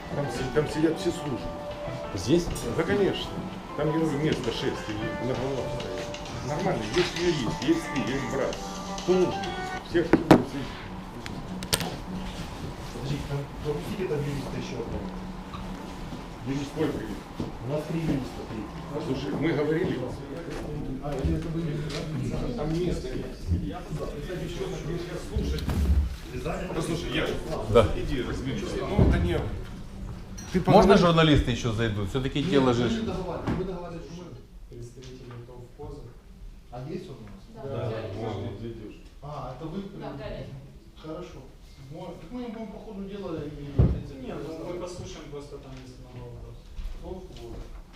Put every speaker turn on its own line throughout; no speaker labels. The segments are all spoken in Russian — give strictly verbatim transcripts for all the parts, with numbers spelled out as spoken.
Там, си- там сидят все службы.
Здесь?
Да, конечно. Там, я говорю, место шесть, и на головах стоят. Нормально, есть юрист, есть ты, есть брат. Кто нужен? Всех
Подождите, там пропустите там юриста еще одного.
Юрист сколько их?
У нас три юриста, три.
Слушай, мы говорили,
А, или это были...
там место есть. Я кстати, еще слушать. Послушай, я
Да.
иди разберись. Ну, это не... Ты
Можно
поговори.
журналисты еще зайдут? Все-таки дело же...
Мы договаривались, мы договаривались, что мы...
Представители ТОВКоза.
А есть он у нас?
Да, вот, вот идешь.
А, это вы...
Да, Галя.
Хорошо. Мо- Так мы им будем по ходу дела и...
Нет, ну, мы послушаем, просто там есть много вопросов.
Вот.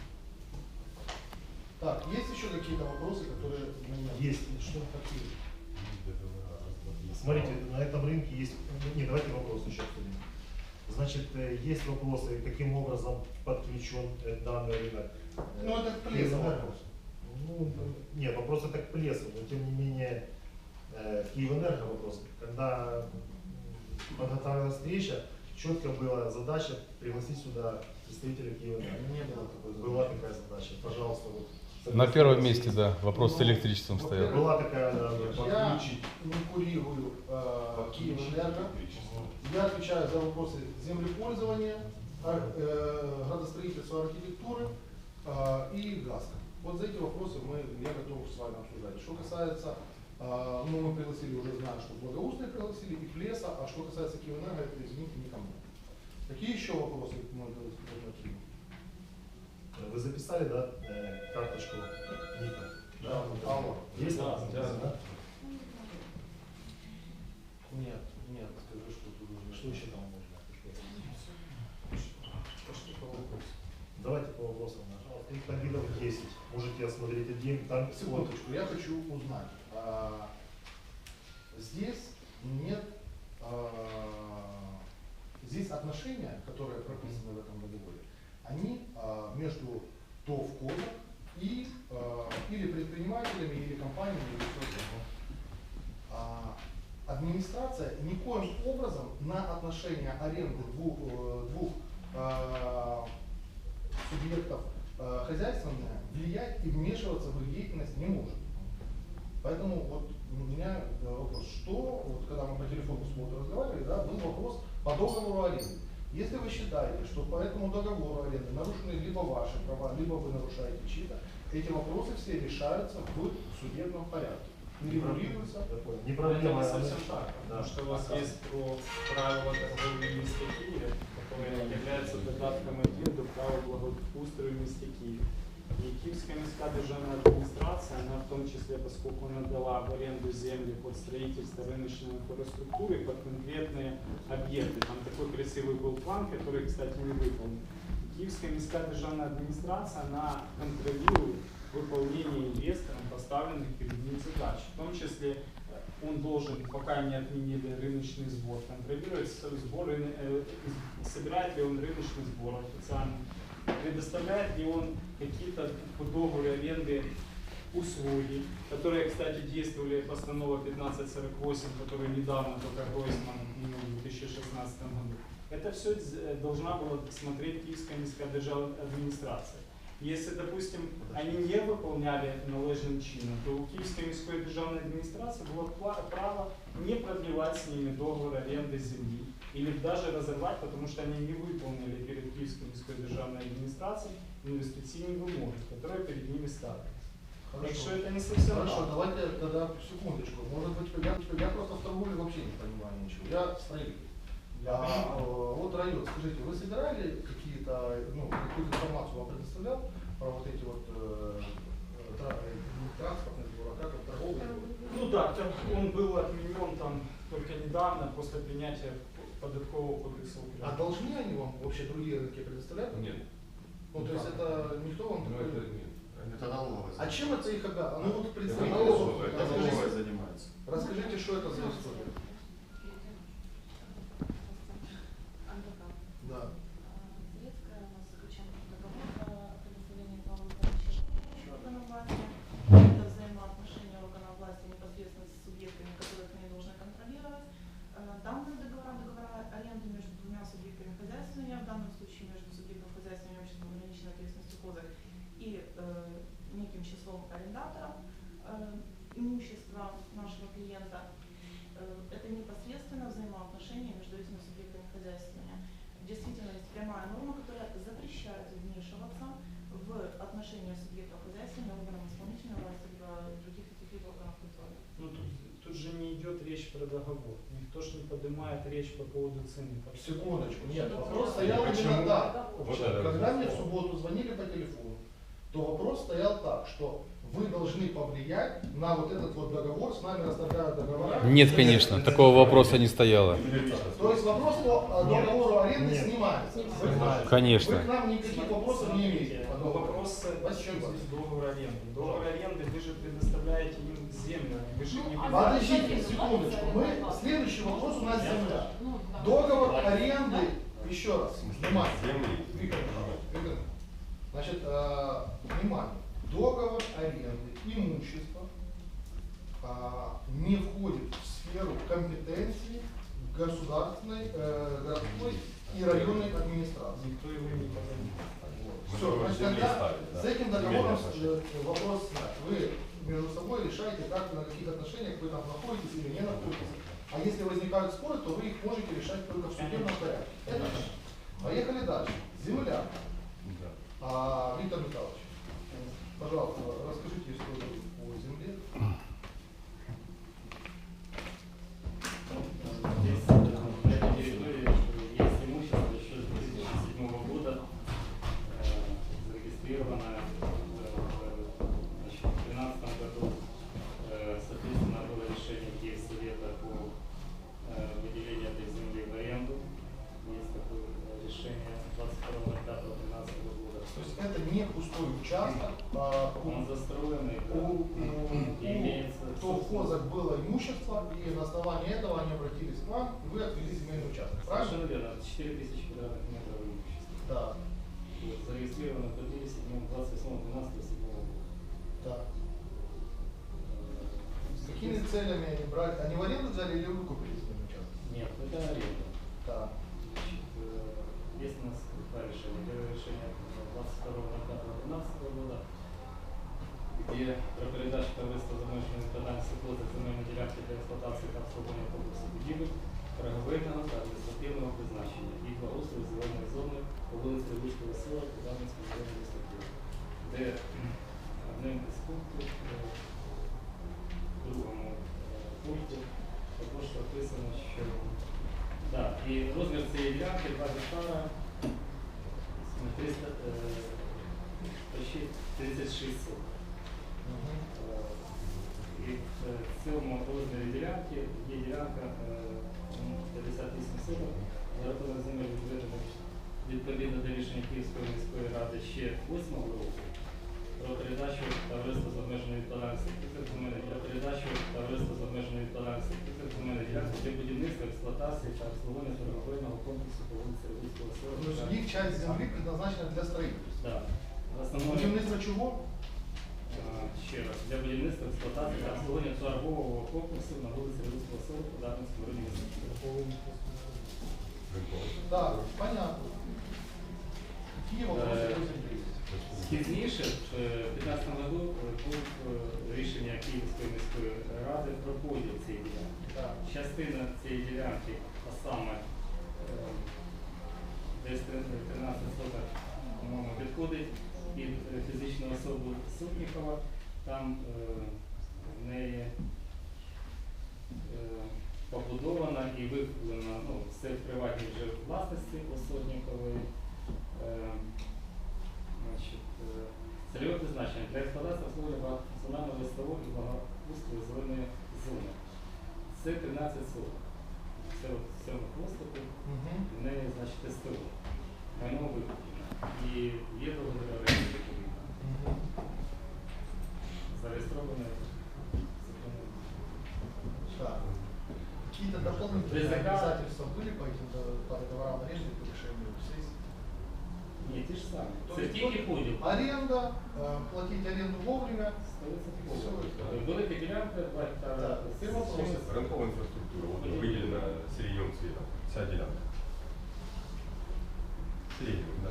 Так, есть еще какие-то вопросы, которые...
Есть. Что такие? Смотрите, на этом рынке есть... Не, давайте вопросы еще обсудим. Значит, э, есть вопросы, каким образом подключен э, данный рынок. Э,
Ну, это к Плесу вопрос.
Ну, нет, вопрос это к Плесу, но тем не менее э, Киевэнерго вопрос. Когда м, подготовилась встреча, четко была задача пригласить сюда представителя Киевэнерго.
Не было такой задачи.
Была такая задача, пожалуйста. Вот,
На первом месте, да, вопрос с электричеством
Ну,
стоял.
Была такая, да, да,
Я
подключить.
не курирую э, Киевэнерго. Я отвечаю за вопросы землепользования, ар- э, градостроительства, архитектуры э, и ГАСКа. Вот за эти вопросы мы, я готов с вами обсуждать. Что касается, э, ну мы пригласили, уже знаю, что Благоустные пригласили, и Плеса, а что касается Киевэнерго, это, извините, никому. Какие еще вопросы мы должны обсудить?
Вы записали, да, э, карточку Ника?
Да, алло.
Есть?
Да,
Да, да.
Нет, нет, скажи, что тут уже.
Что еще там можно?
Что по вопросу?
Давайте по вопросам. Их там видов десять. Можете осмотреть один. Там
Секундочку, я хочу узнать. а, Здесь нет, а, здесь отношения, которые прописаны в этом договоре, они а, между ТОВКозом и а, или предпринимателями, или компаниями, или кто-то. А, Администрация никоим образом на отношения аренды двух, э, двух а, субъектов э, хозяйственное влиять и вмешиваться в их деятельность не может. Поэтому вот у меня э, вопрос, что, вот когда мы по телефону с Мотой разговаривали, да, был вопрос по договору аренды. Если вы считаете, что по этому договору аренды нарушены либо ваши права, либо вы нарушаете чьи-то, эти вопросы все решаются в судебном порядке. И регулируются.
Не
Это
проблема.
не совсем так,
Да.
потому что у вас есть про правила торговли в місті Києві, которое является додатком один до права благоустрою в місті Києві. И Киевская міська державная администрация, она в том числе, поскольку она дала в аренду земли под строительство рыночной инфраструктуры, под конкретные объекты. Там такой красивый был план, который, кстати, не выполнен. Киевская міська державная администрация, она контролирует выполнение инвестором поставленных перед ним задач. В том числе он должен, пока не отменили рыночный сбор, контролировать сбор, э, собирает ли он рыночный сбор официально, предоставляет ли он какие-то по договору аренды услуги, которые, кстати, действовали постанова пятнадцать сорок восемь, которую недавно только Гройсман отменил в две тысячи шестнадцатом году. Это все должна была смотреть Киевская міська державная администрация. Если, допустим, они не выполняли належным чином, то у Киевской міської державной администрации было право не продлевать с ними договор аренды земли или даже разорвать, потому что они не выполнили перед Киевской міської державной администрацией инвестиционные вымоги, которые перед ними ставили. Так что это не совсем
Хорошо,
так.
давайте тогда секундочку. Может быть, я, я просто в торговле вообще не понимаю ничего. Я строитель. А, э, вот район, скажите, вы собирали какие-то, ну, какую-то информацию вам предоставлял про вот эти вот э, тра- не транспортные двора, как это торговые?
Ну да, там он был отменен там только недавно, после принятия податкового кодекса
А
Украины.
должны они вам вообще другие рынки предоставлять?
Нет.
Ну, то есть это никто вам
Ну,
такой...
это нет.
Это налоговая.
А чем это их обязано? Ну вот
Это
представитель,
налоговая, это налоговая
расскажите,
занимается.
расскажите, что это за история? Да.
Советская у нас заключен договор о предоставлении правовой помощи органам власти. Это взаимоотношения органов власти непосредственно с субъектами, которых они должны контролировать. Э, Данные договора, договора аренды между двумя субъектами хозяйственными, в данном случае полномочий между субъектом хозяйственного имущества ограниченной ответственностью КОЗАК и э, неким числом арендаторов э, имущества нашего клиента. Э, это непосредственно взаимоотношения между этими субъектами хозяйствования. Действительно, есть прямая норма, которая запрещает вмешиваться в отношения субъектов хозяйствования органов исполнительной власти, либо других каких-либо органов контроля.
Ну, тут, тут же не идет речь про договор. Никто ж не поднимает речь по поводу цены.
Секундочку, нет, вопрос стоял
Почему?
именно так.
Вот это
Когда
вот.
мне в субботу звонили по телефону, то вопрос стоял так, что вы должны повлиять на вот этот вот договор, с нами расторгают договора.
Нет, конечно, такого вопроса не стояло.
То есть вопрос по э, договору аренды
Нет.
снимается. Вы,
Снимается.
Конечно.
вы к нам никаких вопросов не имеете. по
Но
договору.
вопрос, при чем
Спасибо.
здесь договор аренды? Договор аренды вы же предоставляете им землю, вы же не
Подождите секундочку, мы, следующий вопрос у нас земля. Договор аренды, еще раз, внимание.
Земли.
Виктор Михайлович, Виктор, значит, э, внимание, договор аренды имущества э, не входит в сферу компетенции государственной, э, городской и районной администрации.
Никто его не поднимает.
Все,
договор
значит,
земли
тогда
ставит, да.
с этим договором
Земельные отношения.
э, вопрос снят. Вы между собой решаете, как на каких отношениях вы там находитесь или не находитесь. А если возникают споры, то вы их можете решать только в судебном порядке. Это раз. Поехали дальше. Земля.
Да.
А, Виктор Михайлович, пожалуйста, расскажите историю по земле.
Здесь на этой территории есть имущество еще с две тысячи седьмого года, э, зарегистрировано э, в две тысячи тринадцатом году. Э, соответственно, было решение Киевсовета по э, выделению этой земли в аренду. Есть такое э, решение двадцать второго пятого двенадцатого года.
То есть это не пустой участок, а у,
Он застроенный, да,
у, у-
и имеется
то в КОЗАК было имущество, и на основании этого они обратились к вам, и вы отвели земельный участок. Правильно?
совершенно верно, четыре тысячи квадратных метров имущества.
Да.
Вот, зарегистрировано в двадцать восьмого двенадцатого седьмого года.
Да. С какими целями они брали? Они в аренду взяли или выкупили земельный участок?
Нет, это аренда.
Да.
Значит, э, есть у нас два решения. Первое решение двадцать второго пятого двенадцатого года, где про передачу товариства замовченої відповідальності КОЗАК земельної ділянки для експлуатації та обслуговування комплексу будівель торговельного та адміністративного призначення і благоустрою зеленої зони по вулиці Левицького села Кузанської районної адміністрації, де кхм, одним із пунктів е, в другому е, пункті також прописано, що да, і розмір цієї ділянки два гектара триста, е, почти тридцять шість соток.
Мгм.
Е, І в цьому розмірі ділянки є ділянка е, п'ятдесят вісім соток, за рахунок земель відведених відповідно до рішення Київської міської ради ще восьмого року про передачу товариства з обмеженою відповідальністю земель для передачу товариства з обмеженою відповідальністю земельної ділянки для будівництва, експлуатації та обслуговування торговельного комплексу по вулиці Левицького села.
То есть их часть земли предназначена для строительства.
Да. В основному
Будівництво чого?
е, ще раз для будівництва, експлуатації та обслуговування торгового комплексу на вулиці Левицького села по Дарницькому районі міста.
Да, понятно. Какие вопросы
Э,
по земле есть?
Пізніше, в дві тисячі п'ятнадцятому году, був е, рішення Київської міської ради про поділ цієї ділянки.
Да.
Частина цієї ділянки, а саме е, десь тринадцять соток, по-моєму, відходить під е, фізичну особу Сотнікова. Там е, в неї е, побудована і викуплена, ну, все в приватній вже власності у Сотнікової. Е, Значить, е, цільове призначення для експлуатації обслуговування функціонального листового і благоустрою зеленої зони. Це тринадцять соток. Це от в цьому хвостику,
Мгм.
в неї, значить, СТО. Майно викуплено. І є договір оренди відповідно.
Мгм.
Зареєстроване законом.
Так. Какие-то дополнительные
ДЗК.
обязательства были по этим до- по договорам аренды по решению сессии?
Ні, ті ж самі.
То
Це
есть
тільки
вот
поділ.
аренда, э, платить аренду вовремя.
сто відсотків
Все,
поділ. Велика ділянка, два гектара.
Так,
з
це вопрос.
чимось.
Рынковая инфраструктура, вот выделена сиреневым цветом, вся делянка. Сиреневым.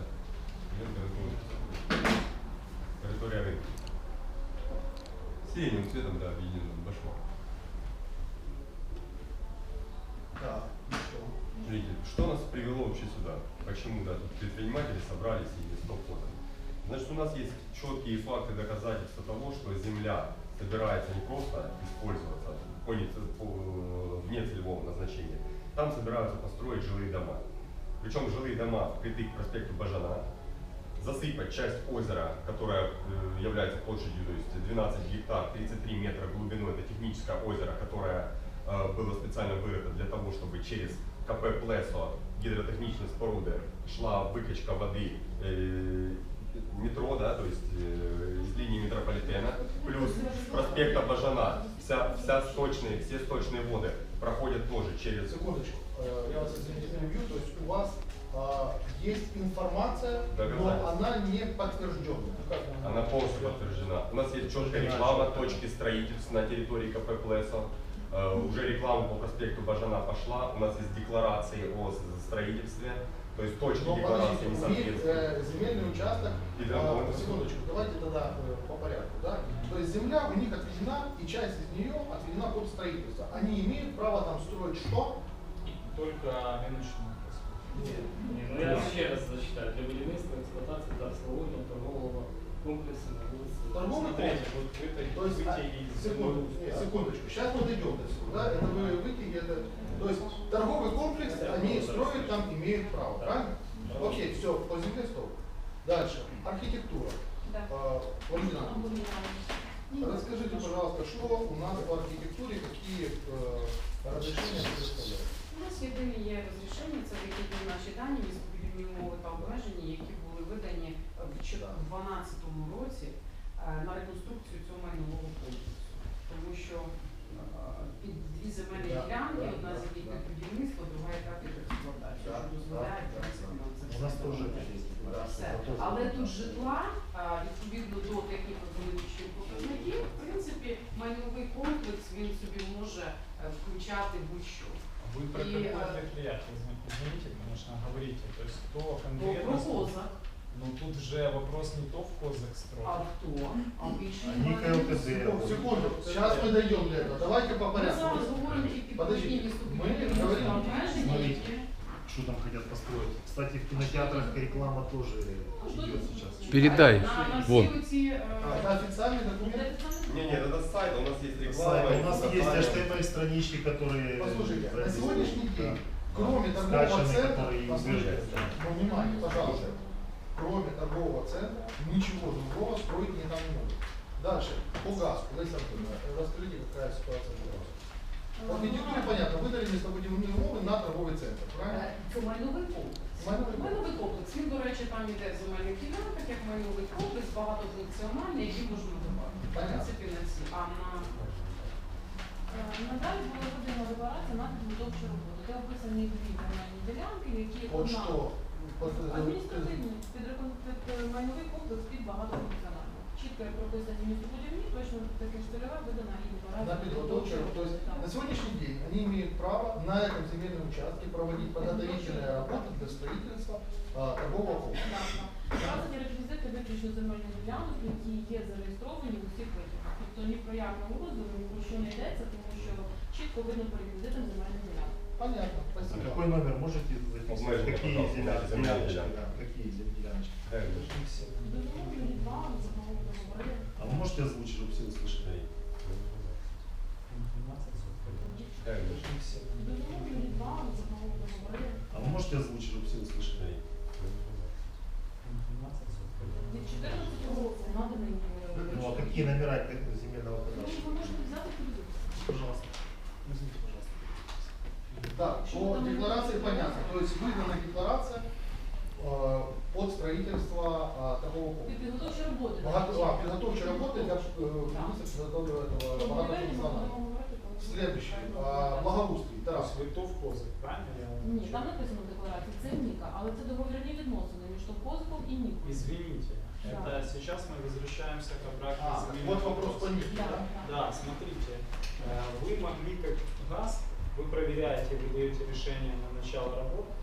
Территория рынка. Синим цветом, да, объединенным башмак.
Так, и что?
Смотрите, что нас привело вообще сюда? Почему, да, тут предприниматели собрались и стоп подали? Значит, у нас есть четкие факты доказательства того, что земля собирается не просто использоваться по, по, вне целевого назначения. Там собираются построить жилые дома. Причем жилые дома впритык к проспекту Бажана, засыпать часть озера, которая э, является площадью, то есть двенадцать гектар, тридцать три метра глубиной, это техническое озеро, которое э, было специально вырыто для того, чтобы через КП Плесо, гидротехничной споруды, шла выкачка воды э, метро, да, то есть э, из линии метрополитена, плюс с проспекта Бажана, вся, вся сточные, все сточные воды проходят тоже через...
Секундочку, э, я вас извините, перебью, то есть у вас а, есть информация, но
Доказательства.
она не подтвержденная. Ну, как она?
Она полностью подтверждена. У нас есть четкая реклама точки строительств на территории КП Плесо. Uh, уже реклама по проспекту Бажана пошла. У нас есть декларации о с- строительстве. То есть точки
Но
декларации
подождите,
не
у них
соответствуют.
э, земельный участок,
И
а,
драгоны.
секундочку, давайте тогда э, по порядку, да? То есть земля у них отведена, и часть из нее отведена под строительство. Они имеют право там строить что?
Только рыночную
Не, ну я ще раз зачитаю. Для будівництва, експлуатації та обслуговування торгового комплексу на вулиці.
Торговый
Смотрите,
комплекс.
вот это
То есть, а,
вытяги из
секунду,
земного-
секундочку, сейчас мы дойдем до всего, да? Это вы вытяги, это... То есть торговый комплекс, они строят там, имеют право, правильно? Окей, все, по земле стоп. Дальше, архитектура.
Да.
А, Валентина Ивановна, расскажите, пожалуйста, что у нас по архитектуре, какие э, разрешения предоставляют?
У нас єдині є розрішення, це вихідні наші дані, містобудівні умови та обмеження, які були видані в дві тисячі дванадцятому році е, на реконструкцію цього майнового комплексу. Тому що е, під дві земельні
Да,
ділянки,
да,
одна з
да,
яких
да.
під будівництво, друга яка під експлуатацію,
Да,
що дозволяє
да,
в принципі нам це
У нас
все
тоже
робити.
это есть.
Все. Але тут житла, а, відповідно до техніко-економічних показників, в принципі, майновий комплекс, він собі може е, включати будь-що.
Вы про
И,
какое
э,
предприятие, извините, конечно, говорите. То есть кто
То
конкретно...
про козак,
Ну тут же вопрос не то в козак
а
строить.
хто, а більше
Они КЛТД.
Секунду, секунду, сейчас мы дойдем до этого. Давайте по
Ми
порядку.
зараз говоримо тільки про
Подождите,
ті
мы
містобудівні
говорим...
обмеження,
Смотрите.
які...
Что там хотят построить? Кстати, в кинотеатрах реклама тоже идет сейчас.
Передай.
На, на всі
Вон.
оці...
А,
е,
это официальный документ?
Не, нет, это сайт, у нас есть реклама.
Сайт. У нас есть
фотографии.
эйч ти эм эль-странички, которые...
Послушайте, на
прописаны.
сегодняшний
Да.
день, кроме торгового
Скачанные,
центра,
которые
послушайте,
выезжают.
ну, внимание, пожалуйста, кроме торгового центра, ничего другого строить не там не могут. Дальше, по газу, Лариса Анатольевна, расскажите, какая ситуация по газу. В архитектуре понятно, выдали местобудивные умовы на торговый центр, правильно?
е, Це майновий комплекс.
Майновий комплекс.
Майновий комплекс. Він, до речі, там іде в земельних ділянках, як майновий комплекс, багатофункціональний, який можна будувати. В
Понятно.
принципі, на ці. А на...
Е, Надалі була видана декларація на підготовчу роботу, де описані дві земельні ділянки, які
Вот
одна
что? Вот, э,
адміністративний під, рекон- під е, майновий комплекс під багатофункціональний. Чітко прописані містобудівні, точно таке ж цільова видана і декларація.
на подготовчу, то есть
Так.
на сегодняшний день они имеют право на этом земельном участке проводить подготовительные работы для строительства а, торгового комплекса.
Так, так. Вказані реквізити виключно земельних ділянок, які є зареєстровані в усіх витягах. Тобто ні про якому розділу, ні про що не йдеться, тому що чітко видно по реквізитам земельних ділянок.
Понятно,
А
спасибо.
какой номер можете записать?
Обмеження,
Какие
пожалуйста,
земля-
земельные
земляночки?
делянки.
Да, какие земляночки?
Э,
Дозволені два, законом договори.
А вы можете озвучить, чтобы все услышали?
э,
Дозволені два, законом договори.
А вы можете озвучить, чтобы все услышали?
Від чотирнадцятого року наданий.
Ну а какие номера этого земельного
Ну,
кадастра?
ви можете взяти подивитися.
Пожалуйста. Возьмите, пожалуйста.
Так, по декларации понятно. То есть выдана декларация э, под строительство э, торгового
Під
комплекса.
підготовчі роботи.
Богато- а, подготовчие работы для э, будівництва этого
Тобто
богатофункционального. Следующее. А, благоустрій.
То
Тарас.
есть вы то в козак, правильно? Я вам
Ні, там написано в декларації, це Ніка, але це договірні відносини між Товкозиком і Нікою.
Извините,
Да.
это сейчас мы возвращаемся к обратной
А,
земельным
вот вопрос по
вопросам.
Нике,
Да,
да?
да.
Да, смотрите, э, вы могли как ГАЗ, вы проверяете, вы даете решение на начало работ,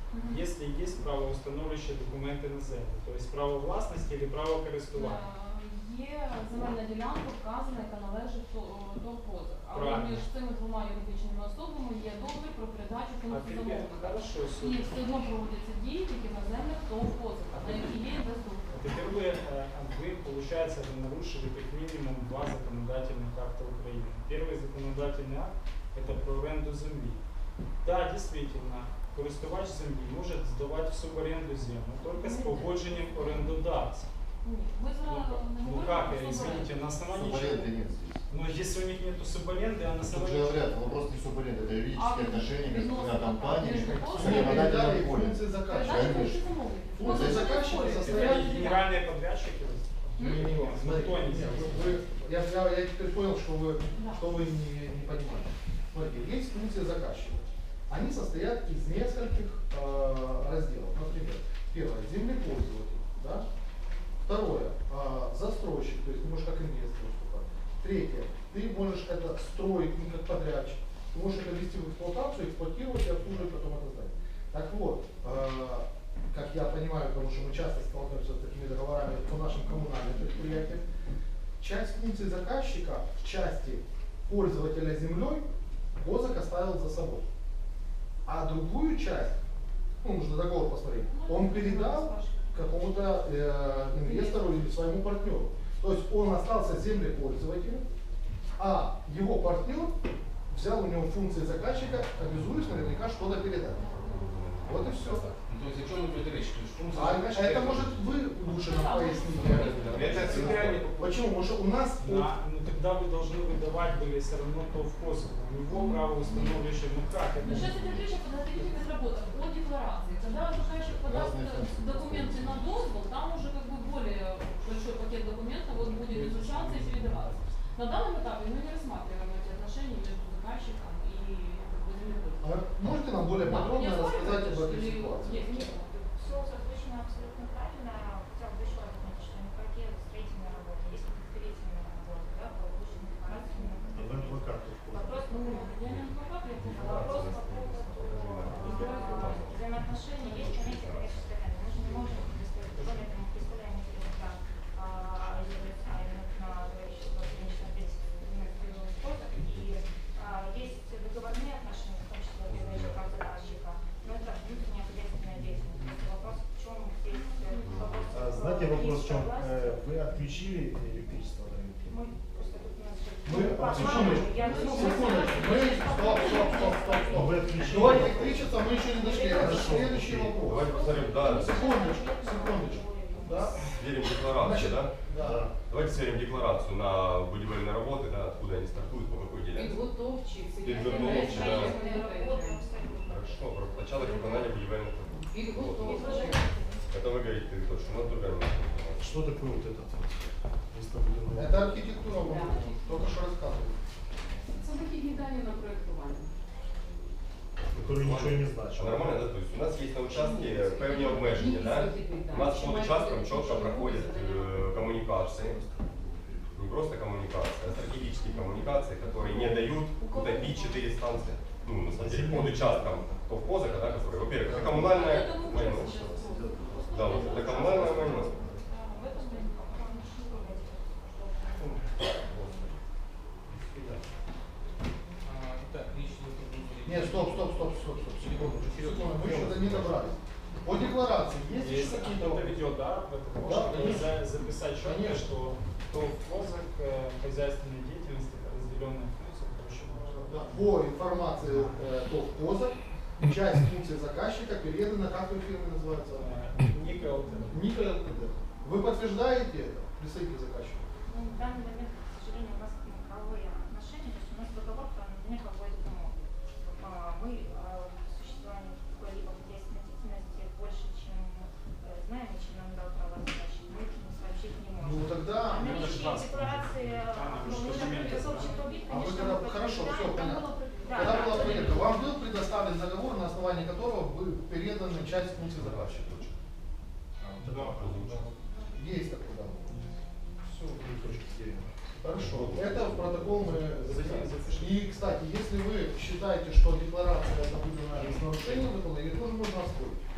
Мгм.
если есть правоустановлюючі документи на землю, тобто право власності або право користування.
Е, Є земельна ділянка вказана, яка належить торгпозах. Але
Правильно.
між цими двома юридичними особами є договір про передачу
А
функцій
тепер,
замовника.
хорошо,
І
супер.
все одно проводяться дії тільки на землях торгпозах, на які є інвестор.
Теперь вы, э, вы, получается, вы нарушили как минимум два законодательных акта Украины. Первый законодательный акт – это про аренду земли. Да, действительно, користувач землі може здавати в суборенду землю только с погодженням орендодавця.
Ні, ми
Ну,
зараз не
ну
говоримо
как,
про
э, извините, на основании чего?
Субаренды нет здесь.
Ну, если у них нет суборенды, а на
Тут же
основании
говорят, вопрос не субаренды, это юридические
А,
отношения между двумя
відносно
компаниями.
между
с
прочим,
законодательным
передали
полем.
функции заказчика.
передача
конечно.
функцій замовників.
Функции
Ми
заказчика
не
состоят-
это генеральные подрядчики?
Не, не, не, смотри,
Кто они
нет,
здесь?
вы- вы- я, я, я теперь понял, что вы,
Да.
что вы не, не понимаете. Смотрите, есть функции заказчика. Они состоят из нескольких э, разделов. Например, первое – землепользователь. Да? Второе э, – застройщик, то есть ты можешь как инвестор выступать. Третье – ты можешь это строить не как подрядчик. Ты можешь это ввести в эксплуатацию, эксплуатировать и обслуживать потом это здание. Так вот, э, как я понимаю, потому что мы часто сталкиваемся с такими договорами по нашим коммунальным предприятиям, часть функций заказчика в части пользователя землей КОЗАК оставил за собой. А другую часть, ну, нужно договор посмотреть, он передал какому-то э, инвестору или своему партнеру. То есть он остался землепользователем, а его партнер взял у него функции заказчика, обязуясь наверняка что-то передать. Вот и все.
Ну, то есть о чем идет речь? То есть функция
А
заказчика
это может вы лучше нам поясните.
Это всегда не
Почему? Потому что у нас
Да, ну тогда вы должны выдавать были все равно то в космос. У него право установлюще, ну как это?
Но сейчас идет речь о подготовительных работах, о декларации. Когда заказчик подаст
Разные функции.
документы на дозвол, там уже как бы более большой пакет документов вот будет изучаться и передаваться. На данном этапе мы не рассматриваем эти отношения между заказчиком и как бы, землепользователем.
А можете нам более
Да,
подробно
не
рассказать об
оспариваешь
этой
или
ситуации?
есть? Нет.
Все озвучено абсолютно правильно. Хотела бы еще раз отметить, что никакие строительные работы, есть подготовительные работы, да, получены декларациями.
Об адвокату входит.
Вопрос по поводу,
Я не адвокат, я просто
вопрос по поводу э, взаимоотношений есть понятие коммерческой тайны. Мы же не можем представить, кроме того, мы представляем интересы а именно на человечество клинического принципа и а, есть договорные отношения, в том числе выдающего прав заказчика, но это внутренняя хозяйственная деятельность. Просто вопрос, в чем здесь э, вопрос.
А, знаете, вопрос в чем?
власти.
Э, Вы отключили электричество на рынке?
Мы просто тут у нас же-
Мы,
По
секундочку,
плану, я-
секундочку, мы, стоп, стоп, стоп, стоп, стоп.
Вы отключили?
До электричества мы еще не дошли, это следующий вопрос.
Давайте посмотрим, да,
Секундочку, секундочку. Да?
сверим декларацию,
Значит,
да?
Да.
Давайте сверим декларацию на будівельные работы, да, откуда они стартуют, по какой ділянці.
Підготовчі,
Підготовчі, да.
роботи.
Хорошо, про початок виконання будівельних робот.
Підготовчі.
Это вы говорите точно, у нас другая информация.
Что такое вот этот вот местобудівний?
Это архитектура, мы только что рассказывали.
Це вихідні дані на проєктування.
Который ничего не значит.
А нормально, да? То есть у нас есть на участке певні обмеження, да? У нас по участкам чітко проходять е, комунікації. Не просто коммуникации, а стратегические коммуникации, которые не дают утопить четыре станции. Ну, на самом деле, под участком Совхозака, да, который, во-первых, это коммунальное майно. Да, вот это коммунальное майно.
В этом мы
Так, речь идет о будущем.
Нет, стоп, стоп, стоп, стоп, стоп, секунду, секунду, мы что-то не добрались. По декларации есть еще
Если
какие-то
кто-то
вопросы?
ведет, да, в этом
Да,
можно
конечно.
за- записать четко,
Конечно.
что то КОЗАК э, хозяйственной деятельности, это разделенная функция, короче, можно.
Да, по информации э, ТОВ КОЗА, часть функций заказчика передана, как вы фирмы называются?
Э, Ника ЛТД.
Ника ЛТД. Вы подтверждаете это, представитель заказчика?
Ну, в данный момент, к сожалению, у нас правовые отношения, то есть у нас договор, например, какой-то тому. А, Мы о существовании какой-либо хозяйственной деятельности больше, чем э, знаем, и чем нам дал право заказчик, мы сообщить не можем.
Ну тогда,
А наличие
пожалуйста.
декларации,
Анна, вы
ну,
что,
мы же
документы
подготовчик убит,
А вы
конечно,
когда-
мы
хорошо,
подтверждаем,
всё,
там
понятно.
было при- да,
когда
да,
была
были-
проверка, вам был предоставлен договор, на основании которого вы переданы часть функций заказчика? Есть такой договор. Все. Хорошо. Это в протокол мы записали. И, кстати, если вы считаете, что декларация это выдана с нарушением закона, ее тоже можно оспорить.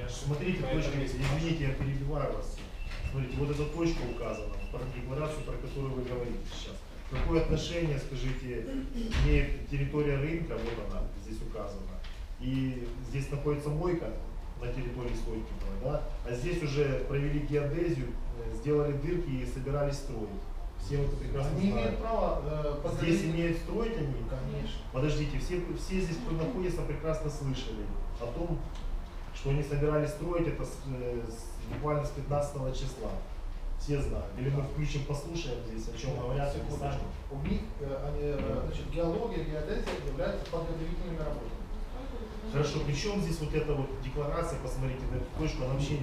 Смотрите,
Поэтому
точка,
есть
извините, я перебиваю вас. Смотрите, вот эта точка указана, про декларацию, про которую вы говорите сейчас. Какое отношение, скажите, имеет территория рынка, вот она здесь указана, и здесь находится мойка на территории Стойкиного, да? А здесь уже провели геодезию, э, сделали дырки и собирались строить. Все вот это прекрасно
Они
знают.
имеют право э,
Здесь
подготовить-
имеют строить они?
Конечно.
Подождите, все, все здесь, кто находится, прекрасно слышали о том, что они собирались строить это с, э, с- буквально с пятнадцатого числа. Все знают. Или мы включим, послушаем здесь, о чем говорят. и
Секундочку.
сами.
У них э, они, э, значит, геология, геодезия являются подготовительными работами.
Хорошо, при чем здесь вот эта вот декларация, посмотрите на эту точку, она вообще...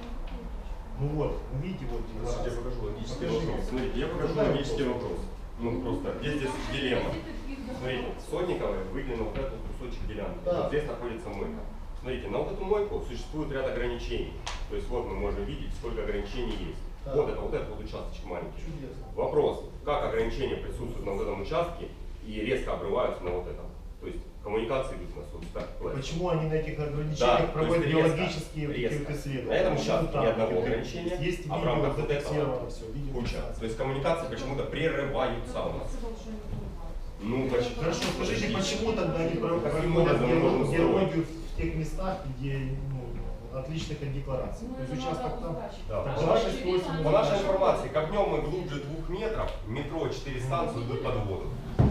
Ну вот, вы видите, вот
Сейчас я
декларация.
покажу логический
Покажи.
вопрос. Смотрите, я покажу
Какой
логический
вопрос?
вопрос. Ну просто, здесь, здесь дилемма. Смотрите, Сотниковой выделено вот этот кусочек делянки.
Да.
Вот здесь находится мойка. Смотрите, на вот эту мойку существует ряд ограничений. То есть вот мы можем видеть, сколько ограничений есть.
Да.
Вот это, вот этот вот участочек маленький.
Чудесно.
Вопрос, как ограничения присутствуют на вот этом участке и резко обрываются на вот этом. То есть коммуникации идут у нас вот так.
Почему они на этих
Да,
ограничениях
то
проводят
есть резко,
биологические вот такие
резко.
вот исследования?
На этом
Почему
участке
там
ни одного
вот
ограничения,
Есть
а в
видео
рамках вот
зафиксировано
этого
все,
куча.
видеофиксация.
То есть коммуникации почему-то прерываются у нас. Ну, почему?
Хорошо, скажите, почему тогда они про-
Каким
проводят
образом мы можем
геологию в тех местах, где ну, отличных от деклараций?
Ну,
То есть
это
участок
надо
Да.
там... Так,
Хорошо,
давайте
очевидно,
спросим.
По нашей информации, копнем мы глубже двух метров, метро четыре станции идут под воду.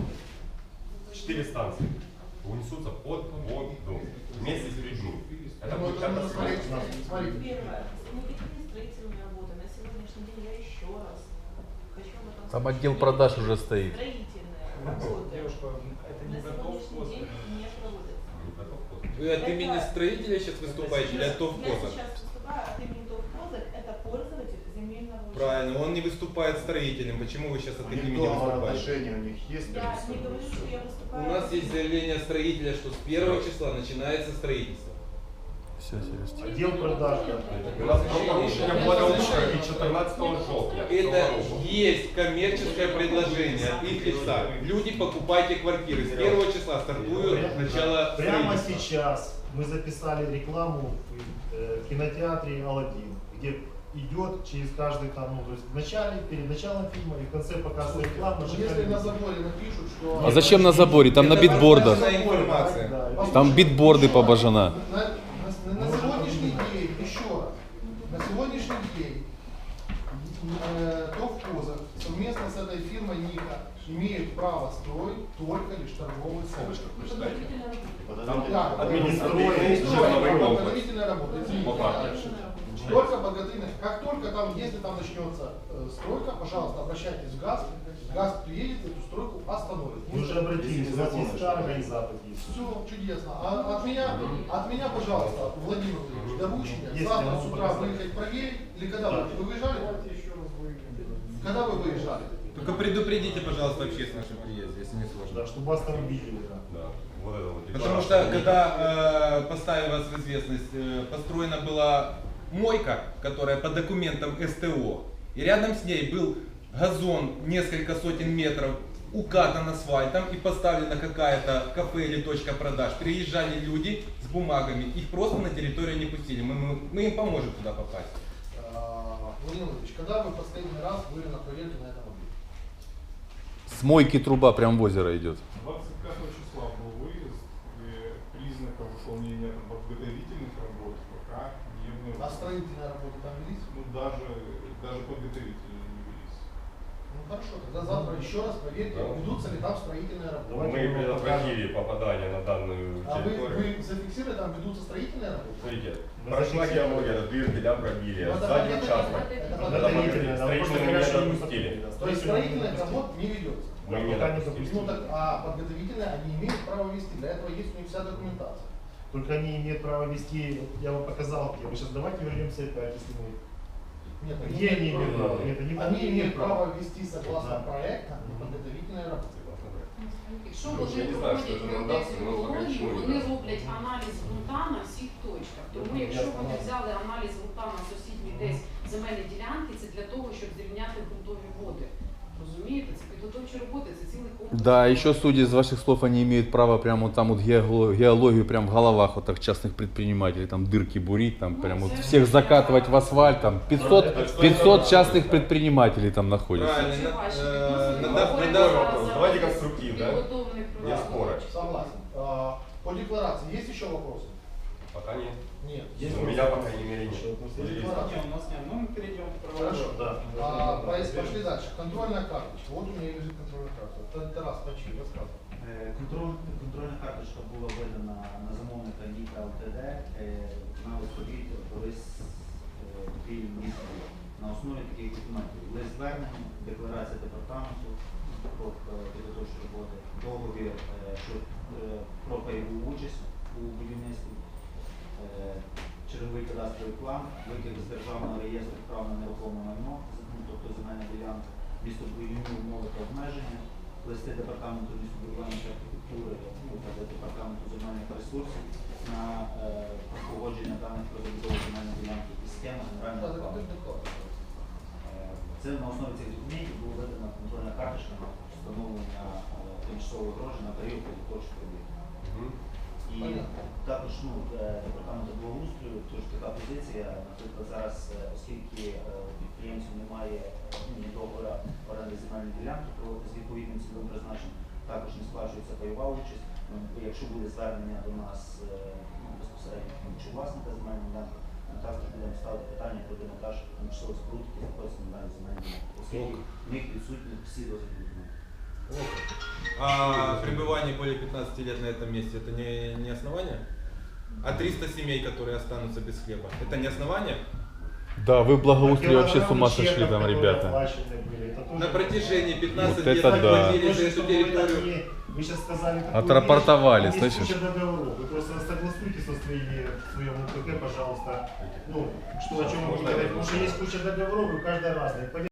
Четыре станции унесутся под воду вместе с людьми. Это
Ну,
будет
это надо
катастрофа.
смотреть, смотрите.
Первое. Никакие строительные работы. На сегодняшний день я еще раз хочу об этом
Там
сказать.
отдел продаж уже стоит.
Строительные работы
Девушка, это
на
не готов
сегодняшний день не проводятся.
Вы от имени строителя сейчас выступаете или от
Я
ТОВКОЗа?
сейчас выступаю от имени ТОВКОЗа, это пользователь земельного участка.
Правильно, он не выступает строителем. Почему вы сейчас от
У
их
них
имени
договор
выступаете?
отношения у них есть
Я
между
не
собой,
говорю,
всё.
что я выступаю.
У нас есть заявление строителя, что с первого числа начинается строительство.
Все, серьезно.
Отдел продаж, да.
У нас правопорушение благоустройства и четырнадцатого жовтня.
Это есть коммерческое предложение от их лица. Люди, покупайте квартиры. С первого числа стартует начало
Прямо
строительства.
сейчас мы записали рекламу в э, кинотеатре Аладдин, где идет через каждый там, ну, то есть в начале, перед началом фильма и в конце показывает рекламу.
Ну, если на заборе напишут, что...
А зачем на заборе? Там на
Это
битбордах.
важная
информация.
Да, да.
Там битборды побожена.
На, на- на сегодняшний день, еще раз, на сегодняшний день э, ТОВКОЗа совместно с этой фирмой Ника имеют право строить только лишь торговый центр.
Там
Да,
административный
строить,
жерловой
строить,
комплекс.
подготовительная работа. Извините,
Вот так.
дальше. Только подготовительная. Как только там, если там начнется э, стройка, пожалуйста, обращайтесь в ГАЗ. ГАЗ приедет, эту стройку остановит.
Мы уже обратились, у нас есть старый организатор. есть.
Все чудесно. А от меня, от меня, пожалуйста, Владимир Владимирович, доручение.
Если
Завтра
я
с
могу
утра
показать.
выехать проверить. Или когда
Да.
вы, вы выезжали? Когда вы выезжали?
Только предупредите, пожалуйста, общественность, что приезде, если не сложно.
Да, чтобы вас там видели. Да.
Да, вот это вот.
Потому что, когда, э, поставим вас в известность, э, построена была мойка, которая по документам СТО, и рядом с ней был газон несколько сотен метров, укатан асфальтом и поставлена какая-то кафе или точка продаж. Приезжали люди с бумагами, их просто на территорию не пустили. Мы, мы, мы им поможем туда попасть.
А, Владимир Владимирович, когда вы последний раз были на проверке на этом объекте?
С мойки труба прям в озеро идет.
двадцать пятого числа был выезд, и признаков выполнения там, подготовительных работ пока не
А
обнаружено.
строительные работы там велись?
Ну даже, даже подготовительные не велись.
Ну хорошо, тогда завтра еще раз проверьте,
Да.
ведутся ли там строительные работы.
Давайте
Мы
мы
предотвратили попадание на данную
А вы,
территорию.
вы зафиксировали, там ведутся строительные работы?
Смотрите,
Мы
прошла
зафиксировали.
геология, дырки, да, пробили,
Ну, это
сзади
понятно,
участок.
это
Да,
подготовительные.
да, строительные мы не допустили.
То есть строительных работ не ведется?
Мы не
Пока не
допустили.
Ну так, а подготовительные они имеют право вести, для этого есть у них вся документация.
Только они имеют право вести, я вам показал, где. Мы сейчас давайте вернемся опять, если мы...
Нет,
Где они имеют право? Нет, они,
Они имеют право вести согласно
Да.
проекта подготовительные работы.
Якщо
Ну, я
вони
не знаю, що
проводять
це нам дасть,
геодезію
але поки
колонії,
нічого не
вони
дасть.
роблять аналіз ґрунта на всіх точках. Тому якщо вони взяли аналіз ґрунта на сусідній десь земельні ділянки, це для того, щоб зрівняти ґрунтові води. Розумієте? Це підготовчі підготовчі роботи, це цілий комплекс.
Да, еще судя из ваших слов, они имеют право прямо вот там вот геоло- геологию прям в головах вот так частных предпринимателей, там дырки бурить, там
Ну,
прям вот
це
всех
ж
закатывать в асфальт, там пятьсот,
Это
пятьсот частных предпринимателей там находится.
Правильно.
Це
на-
ваші
э,
відносини.
надо-
Ми
надо-
говоримо
вопрос.
за
Давайте конструктивно, да?
підготовлений
Не
проект.
споры.
Согласен. А, По декларации есть еще вопросы?
Пока нет.
Нет.
У меня, по крайней мере, нет.
Есть
Не,
декларация.
у нас нет. Ну, мы перейдем к
Хорошо.
Да.
А, пос- пошли дальше. Контрольная карточка. Вот у меня лежит контрольная карточка. Т- Тарас, почти рассказывай.
Е, Контроль, контрольна карточка була видана на замовника Ніка ЛТД е, на виході колись Київ міста на основі таких документів. Лист звернення, декларація департаменту про е, підготовчі роботи, договір е, що, е, про пайову участь у будівництві, е, черговий кадастровий план, витяг з державного реєстру прав на нерухоме майно, ну, тобто земельна ділянка, містобудівні умови та обмеження, листи департаменту містобудування та архітектури ну, та департаменту земельних ресурсів на е, погодження даних про забудову земельної ділянки і схема генерального плану. Е, Це на основі цих документів була видана контрольна карточка на встановлення е, тимчасової огорожі на період підготовчих робіт.
Мгм.
І
Понятно.
також ну, е, департаменту благоустрою, тож така позиція, наприклад, зараз, е, оскільки е, у підприємців немає е, ну, ні договора оренди земельної ділянки про з відповідним цільовим призначенням, також не сплачується пайова участь. Ну, якщо буде звернення до нас е, ну, безпосередньо чи власника земельної ділянки, ми також будемо ставити питання про демонтаж тимчасових споруд, які знаходяться на даній земельній ділянці, оскільки в них відсутні всі дозвільні документи.
А пребывание более пятнадцати лет на этом месте это не, не основание? А триста семей, которые останутся без хлеба, это не основание?
Да, вы в благоустрии вообще с
Килограммы
ума сошли
чеков,
там,
которые
ребята.
оплачены были, это тоже-
На протяжении пятнадцати
Вот
лет
это
мы
да.
платили за
Точно,
эту
чтобы вы так
территорию.
не- Вы сейчас сказали такую
Отрапортовали,
вещь, есть
слышишь?
куча договоров. Вы просто согласуйтесь со своими, в своем УКК, пожалуйста, ну, что о чем вы
Можно
говорите,
я
потому что есть куча договоров, и каждый разный. Поверьте,